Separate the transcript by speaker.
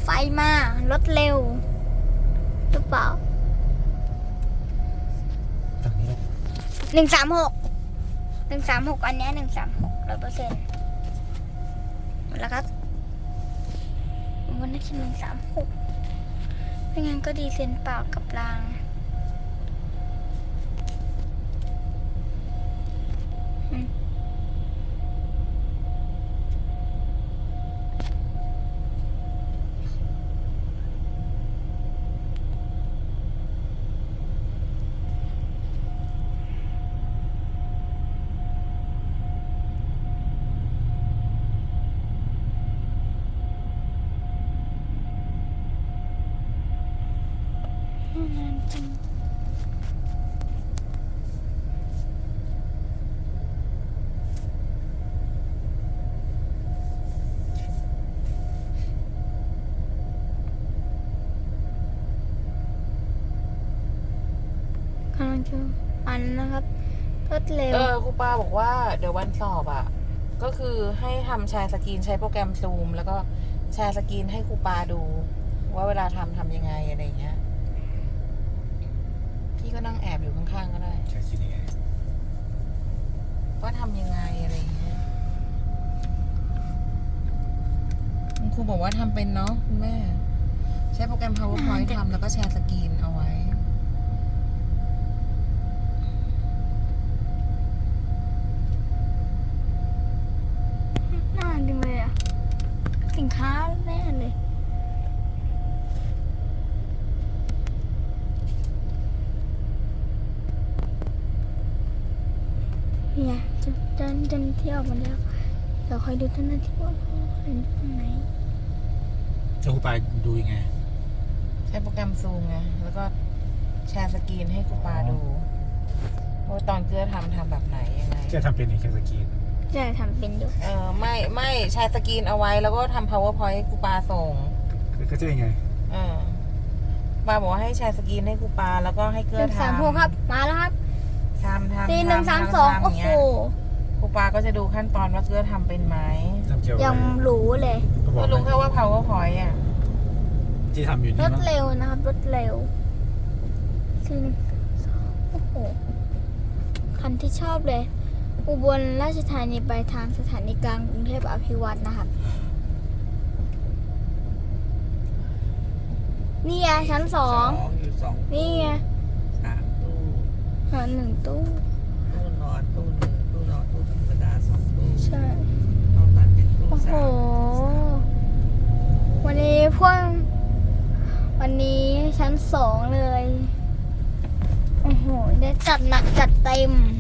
Speaker 1: ไฟมารถเร็วหรือเปล่า
Speaker 2: ฝั่งนี้
Speaker 1: 136อันเนี้ย136 100%หมดแล้วครับวันนี้คือ136ไม่งั้นก็ดีเซนเปล่ากับรางกำลังจะอันนะครับรถเร็ว
Speaker 3: ครูปาบอกว่าเดี๋ยววันสอบอ่ะก็คือให้ทำแชร์สกรีนใช้โปรแกรมซูมแล้วก็แชร์สกรีนให้ครูปาดู ว่าเวลาทำยังไงอะไรอย่างเงี้ยพี่ก็นั่งแอบอยู่ข้างๆก็ได้
Speaker 2: ใช้คิดยังไง
Speaker 3: ว่าทำยังไงอะไรอย่างเงี้ยคุณครูบอกว่าทำเป็นเนาะคุณแม่ใช้โปรแกรม PowerPoint ทำแล้วก็แชร์สกรีนเอาไว้
Speaker 1: น่าดีเลยอ่ะสินค้าแน่เลยเนี่ยจะเที่ยวมาแล้วเดี๋ยวคอยดูเจ้าหน้าที่ว่าเห็นตรงไหน
Speaker 2: จะครูปาดูยังไง
Speaker 3: ใช้โปรแกรมซูมไงแล้วก็แชร์สกรีนให้ครูปาดูว่าตอนเกลือทำแบบไหนยังไง
Speaker 2: จะทำเป็นอีกแค่สกรีน
Speaker 1: จะทำเป็นอยู่
Speaker 3: ไม่แชร์สกรีนเอาไว้แล้วก็ทำ powerpoint ให้ครูปาส่ง
Speaker 2: ก็จะยังไง
Speaker 3: ปาบอกว่าให้แชร์สกรีนให้ครูปาแล้วก็ให้เกลือทำ
Speaker 1: 136ครับมาแล้วครับ
Speaker 3: ทำ
Speaker 1: 4132โอ้โห
Speaker 3: ครูปาก็จะดูขั้นตอนว่าเกลือทำเป็นไหม
Speaker 2: ทำเกี่ยวกับ
Speaker 1: ยังรู้เลย
Speaker 2: ก็บอก
Speaker 3: ก็รู้แค่ว่า powerpoint อ่ะ
Speaker 2: ที่ทำอยู่
Speaker 1: ร
Speaker 2: นี่
Speaker 1: ถ
Speaker 2: มั้ง
Speaker 1: เร็วนะครับรถเร็ว4132โอ้โหคันที่ชอบเลย อุบลราชธานีไปทางสถานีกลางกรุงเทพอภิวัตรนะครับนี่ไงชั้น2
Speaker 4: อยู่2
Speaker 1: นี่ไง
Speaker 4: 3 ตู้
Speaker 1: 1 ตู้
Speaker 4: ตู้นอนตู้หนึ่งตู้นอนตู้ธรรมดา2 ตู้
Speaker 1: ใช่
Speaker 4: นอกนั้นเป็นตู้
Speaker 1: โอ้โห วันนี้วันนี้ชั้น2เลย โอ้โห ได้จัดหนักจัดเต็ม